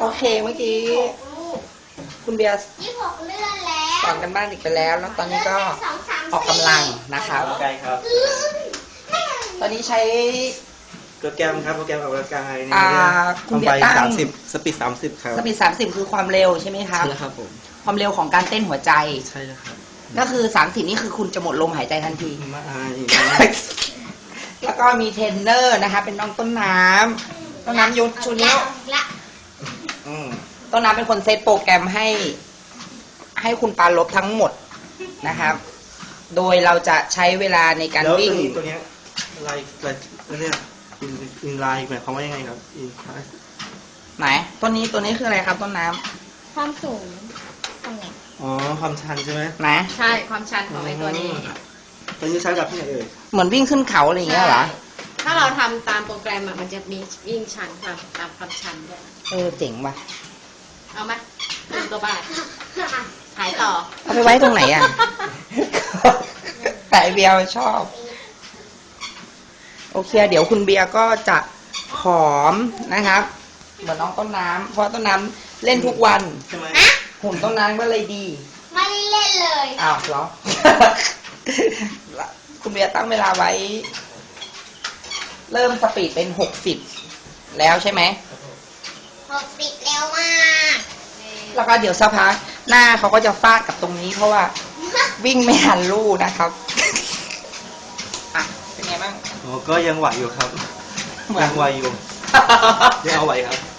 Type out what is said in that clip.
โอเคเมื่อกี้คุณเบียร์ 26 เลื่อนแล้วสอนกันบ้านอีกไปแล้ว แล้วตอนนี้ก็ออกกำลังนะครับออกกำลังกายครับตอนนี้ใช้โปรแกรมครับโปรแกรมออกกำลังกายในคุณเบียร์ตั้ง 30 สปีด 30 ครับสปีด30คือความเร็วใช่ไหมครับใช่แล้วครับผมความเร็วของการเต้นหัวใจใช่แล้วครับก็คือ30นี่คือคุณจะหมดลมหายใจทันทีมาแล้วก็มีเทรนเนอร์นะคะ เป็นน้องต้นน้ำต้นน้ำยุทธชูนิ้วละต้นน้ำเป็นคนเซตโปรแกรมให้คุณปาลบทั้งหมดนะครับ โดยเราจะใช้เวลาในการแล้ววิ่งตัวเนี้ยลายเรียกอินไลน์หมายความว่ายังไงครับอินคลาสไหนตัวนี้คืออะไรครับต้นน้ความสูงตรงไหนอ๋อความชันใช่ไหมำไหนใช่ความชันของไอ้ตัวนี้ตัวนี้ใช้แบบที่ไหนเอ่ยเหมือนวิ่งขึ้นเขาอะไรอย่างเงี้ยเหรอใช่ถ้าเราทำตามโปรแกรมอะมันจะมีวิ่งชันตามความชันด้วยเจ๋งว่ะเอาไหม1 ตัวบาทขายต่อเอาไปไว้ตรงไหนอ่ะ แต่ไอเบียร์ชอบ โอเค เดี๋ยวคุณเบียร์ก็จะผอมนะครับ เหมือนน้องต้นน้ำเพราะต้นน้ำเล่นทุกวันใช่ไหมหุ่นต้นน้ำก็เลยดีไม่ได้เล่นเลยอ้าวเหรอ คุณเบียร์ตั้งเวลาไว้ เริ่มสปีดเป็น60แล้วใช่ไหม 60 เร็วมากแล้วก็เดี๋ยวสักพักหน้าเขาก็จะฟาดกับตรงนี้เพราะว่าวิ่งไม่ทันลู่นะครับ อ่ะ เป็นไงบ้างอ๋อก็ยังไหวอยู่ครับ ยังไหวอยู่ยังเอาไหวครับ